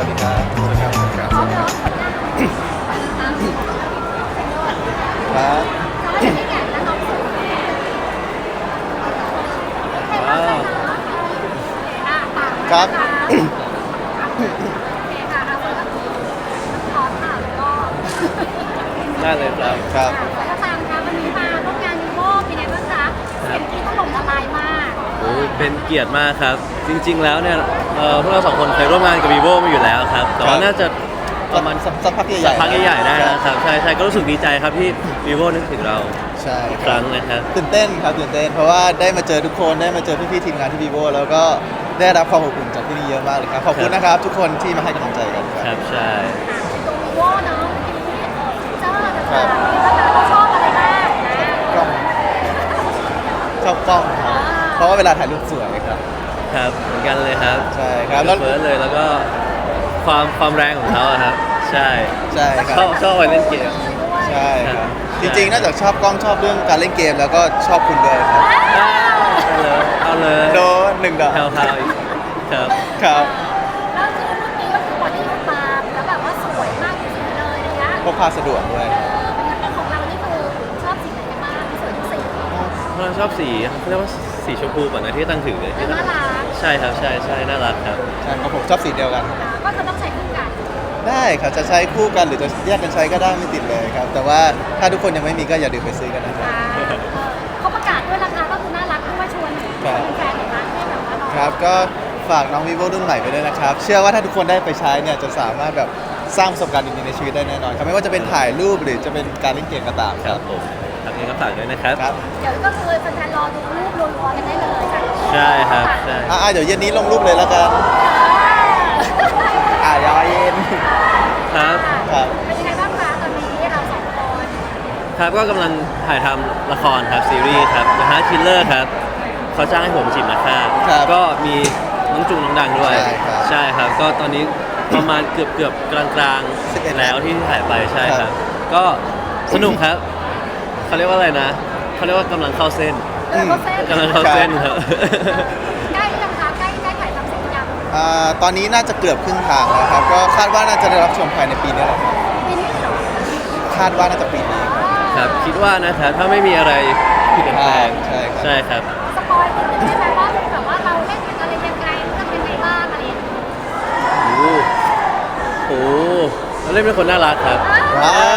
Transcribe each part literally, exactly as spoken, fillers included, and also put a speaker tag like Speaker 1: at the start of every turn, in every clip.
Speaker 1: ดีครับสวัสดีครับครับ
Speaker 2: พร้อมแล้วไปนะคะ
Speaker 1: ครับ
Speaker 2: พี่แก่และน้องสุดให้บ้างคะอ่ะปาก
Speaker 1: ครับ
Speaker 2: โอเคค่ะเอาเลยขอถามก็
Speaker 3: ได้เลยครับ
Speaker 1: ครับ
Speaker 2: แล้วตามคะวันนี้มาร่วมงานยูโวเป็นไงบ้างคะเสียงที่ถล่มละลายมาก
Speaker 3: โอ้เป็นเกียรติมากครับ จริงๆแล้วเนี่ยเอ่อพวกเราสองคนเคยร่วมงานกับ vivo มาอยู่แล้วครับ แต่ว่าน่าจะประมาณ
Speaker 1: สักสักพักใหญ่ๆ
Speaker 3: สักพักใหญ่ๆได้นะครับ ใช่ใช่ก็รู้สึกดีใจครับที่ vivo นึกถึงเรา
Speaker 1: ใช่
Speaker 3: อีก
Speaker 1: ค
Speaker 3: ค
Speaker 1: รั
Speaker 3: รั้
Speaker 1: บ
Speaker 3: งนะครับ
Speaker 1: ตื่นเต้นครับตื่นเต้นเพราะว่าได้มาเจอทุกคนได้มาเจอพี่ๆทีมงานที่ vivo แล้วก็ได้รับความอบอุ่นจากที่นี่เยอะมากเลยครับขอบคุณนะครับ ทุกคนที่มาให้กำลังใจกันค
Speaker 3: ค
Speaker 1: รั
Speaker 3: รั
Speaker 1: บบ
Speaker 3: ใช่
Speaker 2: ตัววีโวเนาะที่เจ้าต่างๆนี่ก็ชอบอะไรบ้างนะ
Speaker 1: กล้องชอบกล้องครับเพราะว่าเวลาถ่ายรูปสวยครับ
Speaker 3: ครับเหมือนกันเลยครับ
Speaker 1: ใช่ครับแล้ว
Speaker 3: เฟิร์สเลยแล้วก็ความความแรงของเขาอะครับ ใช่
Speaker 1: ใช่ค
Speaker 3: ช
Speaker 1: รั
Speaker 3: อ
Speaker 1: บบ
Speaker 3: ชอบไปเล่นเกม
Speaker 1: ใช่ค
Speaker 3: ครั
Speaker 1: รับบ จริงๆนอกจากชอบกล้องชอบเรื่องการเล่นเกมแล้วก็ชอบคุณด้วยครับ
Speaker 3: เอาเลยเอาเลย
Speaker 1: โดนหนึ่งดอก
Speaker 3: แถวๆอีกครับ
Speaker 1: ครับ
Speaker 2: แล้วคือเมื่อกี้ก็คือบอดี้สปาแล้วแบบว่าสวยมากจริงๆเลยอะไรเงี้ย
Speaker 1: พกพาสะดวกด้วย
Speaker 2: เออเป็นไงของเรานี่คือชอบสีไหนกันบ้างสวยทุกสี
Speaker 3: เพราะเราชอบสีเขาเรียกว่าสีชมพูก่อนนะที่ตั้งถือ
Speaker 2: แล้วน่ารัก
Speaker 3: ใช่ครับใช่ใช่น่ารักครับ
Speaker 1: ใช่ครับผมชอบสีเดียวกัน
Speaker 2: อ่าก็จะต้องใช้คู่กัน
Speaker 1: ได้ครับจะใช้คู่กันหรือจะแยกกันใช้ก็ได้ไม่ติดเลยครับ แต่ว่าถ้าทุกคนยังไม่มีก็อย่าลืมไปซื้อกันนะครับ
Speaker 2: อ่าเออเขาประกาศด้วยราคาก็คือน่ารักด้วยชวน
Speaker 1: ครับ
Speaker 2: แฟนๆหน่อยนะให้แบบว่าลอง
Speaker 1: ครับก็ฝากน้อง vivo รุ่นใหม่ไปด้วยนะครับ เชื่อว่าถ้าทุกคนได้ไปใช้เนี่ยจะสามารถแบบสร้างประสบการณ์ดีๆในชีวิตได้แน่นอนครับไม่ว่าจะเป็นถ่ายรูปหรือจะเป็นการเล่นเกมก็ตาม
Speaker 3: ค
Speaker 1: ค
Speaker 3: รั
Speaker 1: รั
Speaker 3: บบ ผมครับนี้ก็ฝากด้วยนะครับ
Speaker 1: ครับ
Speaker 2: เดี๋ยวก็คือแฟนๆรอดูรูปรัวๆกันได้เลยจ้ะ
Speaker 3: ใช่ครับใช่
Speaker 1: อ่าเดี๋ยวเย็นนี้ลงรูปเลยแล้วกันอ่ายอเย็น
Speaker 3: ครับ
Speaker 1: ครับ
Speaker 2: เป็นยังไงบ้างคะตอนนี้เราสองคน
Speaker 3: ครับก็กำลังถ่ายทำละครครับซีรีส์ครับ The Heart Killer ครับเขาจ้างให้ผมจีบนักฆ่า
Speaker 1: ครับ
Speaker 3: ก็มีน้องจุงน้องดังด้วย
Speaker 1: ใช่ครับ
Speaker 3: ใช่ครับก็ตอนนี้ประมาณเกือบเกือบกลางกลาง
Speaker 1: สิบเอ็ด
Speaker 3: แล้วที่ถ่ายไปใช่ค
Speaker 1: ครั
Speaker 3: รับ
Speaker 1: บ
Speaker 3: ก็สนุกครับเขาเรียกว่าอะไรนะเขาเรียกว่ากำลังเข้าเส้น
Speaker 2: เออเขาเส้น
Speaker 3: กำลังเข้าเส้นครับ
Speaker 2: ใกล้หรือยังคะใกล้ใกล้ถ่ายทำเสร็จหรือยัง
Speaker 1: อ่าตอนนี้น่าจะเกือบครึ่งทางแล้วครับก็คาดว่าน่าจะได้รับชมภายในปีนี้แหละครับ
Speaker 2: ปีนี้เหรอ
Speaker 1: คาดว่าน่าจะปีนี้
Speaker 3: ครับคิดว่านะครับถ้าไม่มีอะไรผิดแปลง
Speaker 1: ใช่ครับ
Speaker 3: ใช่ครับ
Speaker 2: สปอยนิดนึงได้ไหมว่าแบบว่าเราเล่นเป็นอะไรยังไงเรื่องเป็นไงบ้างอะไรอย่างเงี้ย
Speaker 3: โอ้โหเราเล่นเป็นคนน่ารักครับ
Speaker 1: ว้าว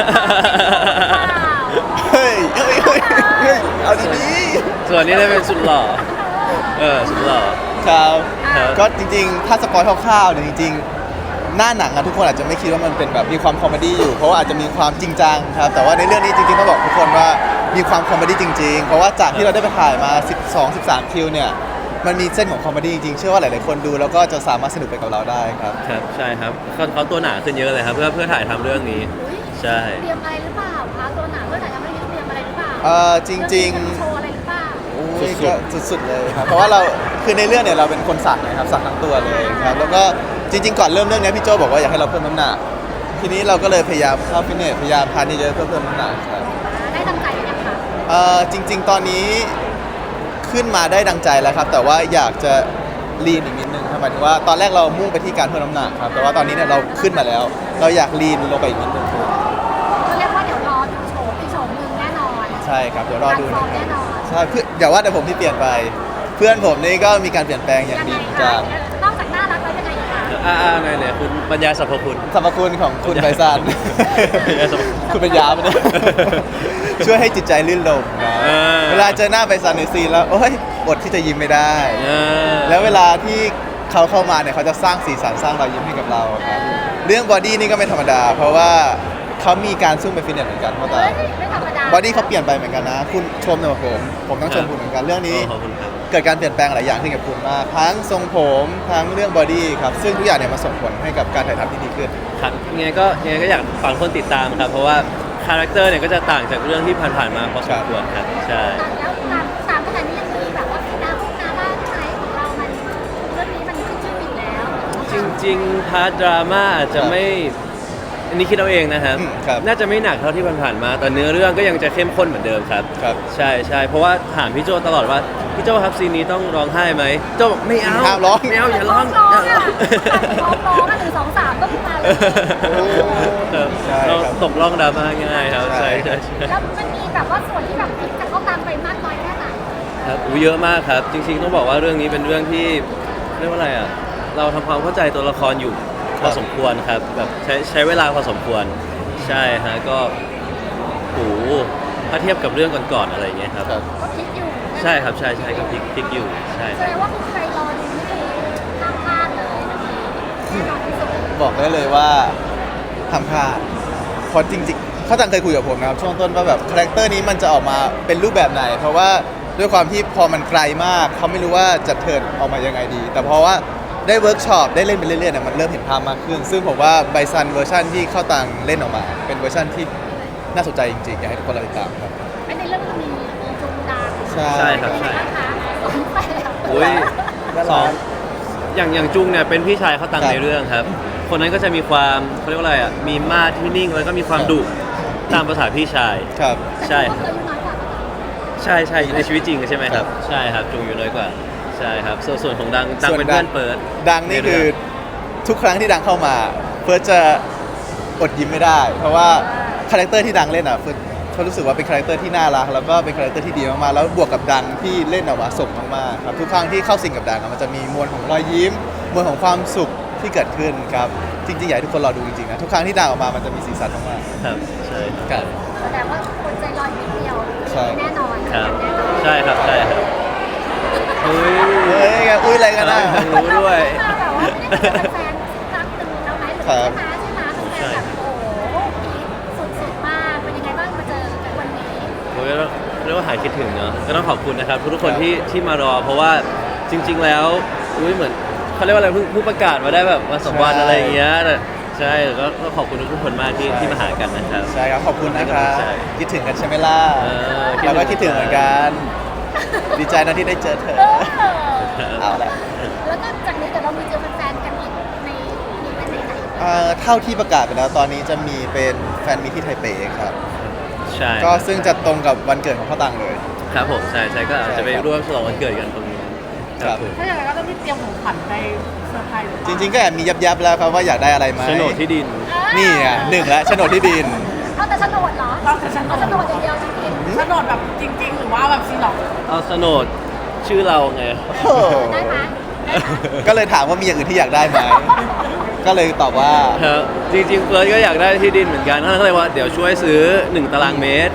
Speaker 1: เฮ้ยเฮ้ยเฮ้ยเฮ้ยเอาดี
Speaker 3: ส่วนนี้ได้เป็นสุดหล่อเออสุดหล่อ
Speaker 1: ๆครับ
Speaker 3: ครับ
Speaker 1: ก็จริงๆ ถ้าสปอยคร่าวๆเนี่ยจริงๆ หน้าหนังอะทุกคนอาจจะไม่คิดว่ามันเป็นแบบมีความคอมเมดี้อยู่ เพราะว่าอาจจะมีความจริงจังครับ แต่ว่าในเรื่องนี้จริงๆต้องบอกทุกคนว่ามีความคอมเมดี้จริงๆ เพราะว่าจากที่เราได้ไปถ่ายมา สิบสอง สิบสาม คิวเนี่ย มันมีเส้นของคอมเมดี้จริงๆ เชื่อว่าหลายๆ คนดูแล้วก็จะสามารถสนุกไปกับเราได้ครับ
Speaker 3: ครับใช่ครับเขาเขาตัวหนาขึ้นเยอะเลยครับเพื่อเพื่อถ่ายทำเรื่องนี้
Speaker 2: อุ๊ย
Speaker 3: ใช่
Speaker 2: เตรียมอะไรหรือเปล่าคะตัวหนาเพื่อนอาจจะไม่ได้เตรียมอะไรหรือเปล่า
Speaker 1: เอ่อจริง
Speaker 2: ๆโชว์อะไรหรือเปล่า
Speaker 1: ๆโอ้ยก็สุดๆเลยครับ เพราะว่าเราคือในเรื่องเนี่ยเราเป็นคนสักนะครับสักทั้งตัวเลยครับ แล้วก็จริงๆ ก่อนเริ่มเรื่องเนี้ยพี่โจบอกว่าอยากให้เราเพิ่มน้ำหนัก ทีนี้เราก็เลยพยายามเข้าฟิตเนสพยายามทานเยอะๆเพื่อเพิ่มน้ำหนักครับ
Speaker 2: ได้ตั้งใจหรือยังคะ
Speaker 1: เอ่อจริง ๆ ตอนนี้ขึ้นมาได้ดังใจแล้วครับ แต่ว่าอยากจะลีนอีกนิดนึงครับหมายถึงว่าตอนแรกเรามุ่งไปที่การเพิ่มน้ำหนักครับ แต่ว่าตอนนี้เนี่ยเราขึ้นมาแล้ว เราอยากลีนลงไปอีกนิดนึงครับ
Speaker 2: ก็เรียกว่าเดี๋ยวรอดูโฉมอีกโฉมหนึ่งแน่นอน
Speaker 1: ใช่ครับเดี๋ยวรอดู
Speaker 2: การซ้อ
Speaker 1: นะ
Speaker 2: ม
Speaker 1: ค
Speaker 2: แน่น
Speaker 1: รับ
Speaker 2: อน
Speaker 1: ใช่เพื่ออย่าว่าแต่ผมที่เปลี่ยนไป เพื่อนผมนี่ก็มีการเปลี่ยนแปลงอย่าง
Speaker 2: ยัง
Speaker 1: ดี
Speaker 2: ไง
Speaker 1: เหมือน
Speaker 2: คะ
Speaker 1: กัน
Speaker 2: นอกจากน่ารักแล้วยังไงอีกคะ
Speaker 3: อ่าอ่าไหนไหนคุณบรรยายสรรพคุณ
Speaker 1: สรรพคุณของคุณไบซัน คุณเป็นยาปะเนี่ย ช่วยให้จิตใจลื่นลมนะ
Speaker 3: เออ
Speaker 1: เวลาเจอหน้าไบซันในซีนแล้วโอ้ยอดที่จะยิ้มไม่ได้
Speaker 3: เออ
Speaker 1: แล้วเวลาที่เขาเข้ามาเนี่ยเขาจะสร้างสีสันสร้างรอยยิ้มให้กับเราครับเรื่องบอดี้นี่ก็ไม่ธรรมดา เพราะว่าเขามีการซุ่มไปฟิตเนสเหมือนกันเพราะแต่
Speaker 2: เฮ้ยไม่ธรรมดา
Speaker 1: บอดี้เขาเปลี่ยนไปเหมือนกันนะ คุณชมเนี่ยผม ผมต้องชมคุณเหมือนกันเรื่องนี้
Speaker 3: ขอบคุณครับ
Speaker 1: เกิดการเปลี่ยนแปลงหลายอย่างขึ้นกับคุณมากทั้งทรงผมทั้งเรื่องบอดี้ครับซึ่งทุกอย่างเนี่ยมาส่งผลให้กับการถ่ายทำที่ดีขึ้น
Speaker 3: ครับยังไงก็ยังไงก็อยากฝากคนติดตามครับ เพราะว่าคาแรคเตอร์เนี่ยก็จะต่างจากเรื่องที่ผ่านๆมาพอสมควรครับใช่
Speaker 2: แล้วตามตามขนาดนี้ยังมีแบบว่าดาวพวกนาบ้าใช่ของเรามันเรื่องนี้มันขึ้นชื่ออยู่แล้ว
Speaker 3: จริงๆพาร์ทดราม่าอาจจะไม่อันนี้คิดเอาเองนะครับ
Speaker 1: อืมครับ
Speaker 3: น่าจะไม่หนักเท่าที่ผ่านๆมาแต่เนื้อเรื่องก็ยังจะเข้มข้นเหมือนเดิมครับ
Speaker 1: ครับ
Speaker 3: ใช่ใช่เพราะว่าถามพี่โจตลอดว่าพี่โจครับซีนนี้ต้องร้องไห้ไหมโจบอกไม่เอา
Speaker 1: ห้ามร้อง
Speaker 3: ไม่เอาอย่าร้อง
Speaker 2: ร้อง
Speaker 3: อย่าร้
Speaker 2: อ่ะ
Speaker 3: อง
Speaker 2: ร้องร้องอ่ะหนึ่งสอง
Speaker 3: ครับ
Speaker 1: ใช่
Speaker 3: เรา
Speaker 1: ครับ
Speaker 3: ตกล่องดราม่าง่ายครับ
Speaker 1: ใช่
Speaker 3: ใช่ใช่ใช่
Speaker 2: แล้วมันมีแบบว่าส่วนที่แบบพลิกกับเขาตามไปมากน้อยแค่ไหน
Speaker 3: ครับอุ๊ยเยอะมากครับ จริงๆต้องบอกว่าเรื่องนี้เป็นเรื่องที่เรียกว่าอะไรอ่ะเราทำความเข้าใจตัวละครอยู่พอสมควรครับแบบใช้ใช้เวลาพอสมควรใช่ฮะก็โหถ้าเทียบกับเรื่องก่อนๆอะไรอย่างเงี้ยครับ
Speaker 1: ครับ
Speaker 2: ก็พลิกอยู่
Speaker 3: ใช่ครับใช่ใช่ก็พลิกพลิกอยู่ใช่
Speaker 2: แสดงว่าคุณใครรอดูนี่คือห้ามพลาดเลยนะแน่นอนที่สุด
Speaker 1: บอกได้เลยว่าทำพลาดเพราะจริงๆเขาตังเคยคุยกับผมนะครับช่วงต้นว่าแบบคาแรคเตอร์นี้มันจะออกมาเป็นรูปแบบไหน เพราะว่าด้วยความที่พอมันไกลมากเขาไม่รู้ว่าจะเทิร์นออกมายังไงดี แต่เพราะว่าได้เวิร์กช็อปได้เล่นไปเรื่อยๆเนี่ยมันเริ่มเห็นภาพมากขึ้น ซึ่งผมว่าไบซันเวอร์ชันที่เข้าตังเล่นออกมา เป็นเวอร์ชันที่น่าสนใจจริงๆอยากให้ทุกคนรอติดตามครับ
Speaker 2: ไม่ในเรื่องมีมีจุงดัง
Speaker 1: ใช่
Speaker 3: ใช่ครับ
Speaker 2: เป็น
Speaker 3: ใช่
Speaker 2: ไงบ้างคะสองแปด
Speaker 3: อุ้ย
Speaker 1: น่า
Speaker 3: ส
Speaker 1: รั
Speaker 3: อง
Speaker 1: ก
Speaker 3: อย่างอย่างจุงเนี่ยเป็นพี่ชายเขาตัง
Speaker 1: ครับ
Speaker 3: ในเรื่องครับ คนนั้นก็จะมีความเขาเรียกว่าอะไรอ่ะมีมาดที่นิ่งแล้วก็มีความดุตามภาษาพี่ชาย
Speaker 1: ครับ
Speaker 3: ใช่
Speaker 2: แต่เขาเคยอายุน้อยกว่าปะคะ
Speaker 3: ใช่ใช่ในชีวิตจริงใช่ไหมค
Speaker 1: ครั
Speaker 3: รับ
Speaker 1: บ
Speaker 3: ใช่ครับจุงอยู่น้อยกว่า ใช่ครับ ส่วนส่วนของดังดัง
Speaker 1: ส่วน
Speaker 3: เป็น
Speaker 1: ดัง
Speaker 3: เพื่อนเปิด
Speaker 1: ดังนี่คือทุกครั้งที่ดังเข้ามาเฟิร์สจะอดยิ้มไม่ได้ เพราะว่าคาแรคเตอร์ที่ดังเล่นอ่ะเฟิร์สเขารู้สึกว่าเป็นคาแรคเตอร์ที่น่ารักแล้วก็เป็นคาแรคเตอร์ที่ดีมากๆแล้วบวกกับดังที่เล่นออกมาสมมากๆครับทุกครั้งที่เข้าสิงกับดังอะมันจะมีมวลของรอยยิ้มมวลของความสุขที่เกิดขึ้นครับจริงๆอยากให้ทุกคนรอดูจริงๆนะทุกครั้งที่ดังออกมามันจะมีสีสันมาก
Speaker 3: ครับ ใช่
Speaker 1: ๆครับ
Speaker 2: แสดงว่าคนใจลอยนิดเดียว
Speaker 1: ใช่
Speaker 2: แน่นอน
Speaker 3: ครับ
Speaker 2: แน่นอน
Speaker 3: ใช่ครับใช่ครับอุ้ย
Speaker 1: เฮ้ยอุ้ยอะไรกันนะ
Speaker 3: รู้ด้วย
Speaker 2: มาแบบว่าไม่ได้เป็นแฟนครั้งหนึ่งแล้วไหมหรือ
Speaker 1: ครั
Speaker 2: ใช่
Speaker 1: บ
Speaker 2: ไหมใช่ไหมเป็นแฟนแบบโอ้โหพีคสุดๆมากเป็นยังไงบ้างมาเจอกันวันนี้
Speaker 3: โอ้ยเรียกว่าหายคิดถึงเนาะก็ต้องขอบคุณนะครับทุกๆคน
Speaker 1: ครับ
Speaker 3: ที่ที่มารอ เพราะว่าจริง ๆ แล้วอุ้ยเหมือนเขาเรียกว่าอะไรเพิ่งเพิ่งประกาศมาได้แบบมาสองวัน
Speaker 1: ใช่
Speaker 3: อะไรอย่างเงี้ยแต่ใช่ก็ก็ขอบคุณทุกๆคนมากที่
Speaker 1: ใช่
Speaker 3: ที่มาหากันนะครับ
Speaker 1: ใช่ครับขอบคุณนะครับ
Speaker 3: ใช่
Speaker 1: คิดถึงกันใช่ไหมล่ะ
Speaker 3: เออ
Speaker 1: เราก็คิดถึงเหมือนกันดีใจนะที่ได้เจอเธอ
Speaker 2: เออ
Speaker 1: เอาละ
Speaker 2: แล้วก็จากนี้เดี๋ยวเรามีเจอแฟนๆกันอีกในอีเวนต์ไหนๆ
Speaker 1: เอ่อเท่าที่ประกาศไปแล้วตอนนี้จะมีเป็นแฟนมีตที่ไทเปครับ
Speaker 3: ใช่
Speaker 1: ก็ซึ่งจะตรงกับวันเกิดของพ่อตังเลย
Speaker 3: ครับผมใช่ใช่ก็อาจจะไป
Speaker 1: ใช่ครับ
Speaker 3: ร่วมฉลองวันเกิดกันตรงนี้
Speaker 1: ครับ
Speaker 3: ผม
Speaker 4: ถ้าอย่างนั้นก็ต้องมีเตรียมของขวัญไปเซอร์ไพรส์หรือเป
Speaker 1: จ
Speaker 4: ล่า
Speaker 1: ริงๆก็แอบมียับๆแล้วครับว่าอยากได้อะไรไหม
Speaker 3: โฉนดที่ดิน
Speaker 1: นี่อ่ะหนึ่งแล้วโฉนดที่ดิน
Speaker 2: เอาแต่โฉนดเหรอ
Speaker 4: เอาแต่โฉนด
Speaker 2: เอาโฉนดอย่างเดียวจริง
Speaker 4: โฉนดแบบจริง ๆ หรือว่าแบบซีล็อก
Speaker 3: เอาโฉนดชื่อเราไง
Speaker 1: โอ้โห
Speaker 2: ๆได้ไหมได้ไหม
Speaker 1: ก็เลยถามว่ามีอย่างอื่นที่อยากได้ไหม ก็เลยตอบว่า
Speaker 3: ครับจริงๆเฟิร์สก็อยากได้ที่ดินเหมือนกันก็เลยว่าเดี๋ยวช่วยซื้อหนึ่งตารางเมตร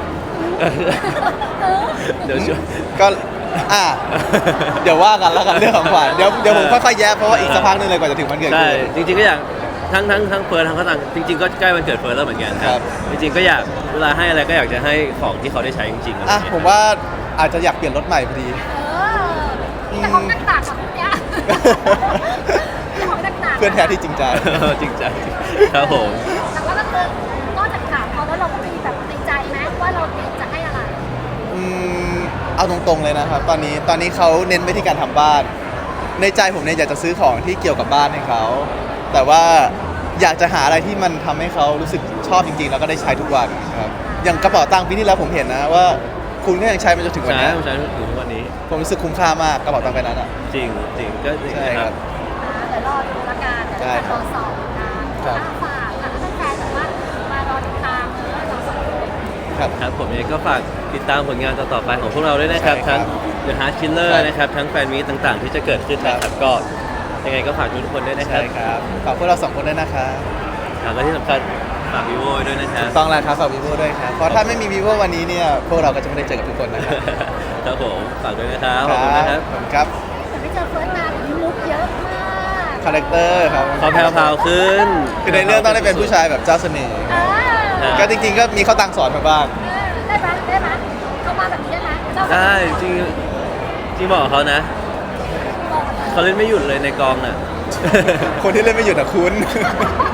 Speaker 3: เดี๋ยวช่วย
Speaker 1: ก็อ่ะเดี๋ยวว่ากันแล้วกันเรื่องของขวัญเดี๋ยวเดี๋ยวผมค่อยๆแยกเพราะว่าอีกสักพักหนึงเลยกว่าจะถึงวันเกิด
Speaker 3: ใช่
Speaker 1: คุณ
Speaker 3: จริงๆก็อยากทั้งทั้งทั้งเฟิร์สทั้งเขาต่างจริง ๆก็ใกล้วันเกิดเฟิร์สแล้วเหมือนกันค
Speaker 1: ครั
Speaker 3: รับ บจริงๆก็อยากเวลาให้อะไรก็อยากจะให้ของที่เขาได้ใช้จริงๆอะไรอ
Speaker 1: อ่ะ
Speaker 3: ย่างเงี้ย
Speaker 1: ผมว่าอาจจะอยากเปลี่ยนรถใหม่พอดี
Speaker 2: เออแต่ของต่างๆกับพวกเนี้ยมีของต่างๆ
Speaker 1: เพื่อนแท้ที่จริงใจ
Speaker 3: จริงจังครับผม
Speaker 2: แต่ว่าก็คือนอกจากถามเขาแล้วเราก็มีแบบในใจไหมว่าเราเตรียมจะให้อะไร
Speaker 1: อืมเอาตรงๆเลยนะครับ ตอนนี้ตอนนี้เขาเน้นไปที่การทำบ้าน ในใจผมเนี่ยอยากจะซื้อของที่เกี่ยวกับบ้านให้เขาแต่ว่าอยากจะหาอะไรที่มันทำให้เขารู้สึกชอบจริงๆ แล้วก็ได้ใช้ทุกวันครับอย่างกระเป๋าตังค์ปีที่แล้วผมเห็นนะว่า คุณก็ยังใช้มันจนถึงวัน
Speaker 3: ใช่
Speaker 1: นี้
Speaker 3: ผมใช้ถึงทุกวันนี้
Speaker 1: ผมรู้สึกคุ้มค่ามากกระเป๋าตังค์ใบนั้นอ่ะ
Speaker 3: จริงจริงก็จริง
Speaker 1: ใช่
Speaker 3: นะ
Speaker 1: ค
Speaker 3: ค
Speaker 1: รั
Speaker 3: รับ บ
Speaker 2: เดี๋ยวรอดูละกันเดี๋ยว
Speaker 1: ใช่
Speaker 2: จะรอสอบนะครับ ฝากค่ะถ้าแฟนๆแบบว่ามารอติดตามเออเราสองคน
Speaker 1: ครับ
Speaker 3: ครับผมเองก็ฝากติดตามผลงานต่อๆไปของพวกเราด้วยนะครับ
Speaker 1: ใช่ครับ
Speaker 3: ทั้ง The Heart Killer
Speaker 1: ใช่
Speaker 3: นะครับทั้งแฟนมีตต่างๆ ที่จะเกิดขึ้นนะค
Speaker 1: ครั
Speaker 3: รับบ ก็ยังไงก็ฝากทุกคนด้วยนะครั
Speaker 1: ใช่
Speaker 3: บ
Speaker 1: ครับฝากพวกเราสองคนด้วยนะครับ
Speaker 3: ครับและที่สำคัญฝาก vivo ด้วยนะครับ
Speaker 1: ต้องแล้วครับฝากวีโวด้วยครับเพราะถ้าไม่มีวีโววันนี้เนี่ยพวกเราก็จะไม่ได้เจอกับทุกคนนะครับ
Speaker 3: ครับผมฝากด้วยนะครับขอบคุณนะครับ
Speaker 1: ขอบคุณครับ
Speaker 2: แต่ไม่เจอเฟิร์สนานมุกเยอะมาก
Speaker 1: คาแรคเตอร์ครับ
Speaker 3: ขอแพรวๆขึ้น
Speaker 1: คือในเรื่องต้องได้เป็นผู้ชายแบบเจ้าเสน่ห์
Speaker 2: อ่า
Speaker 3: อ่า
Speaker 1: ก็จริงๆก็มีเขาตังสอนมาบ้าง
Speaker 2: ได้ไหมได้ไหมเข้ามาแบบนี้ได้ไหมเจ้า
Speaker 3: ได้จริงจริงบอกเขานะ
Speaker 2: บอกเลย
Speaker 3: เขาเล่นไม่หยุดเลยในกองน่ะ
Speaker 1: คนที่เล่นไม่หยุดอะคุณ
Speaker 2: เ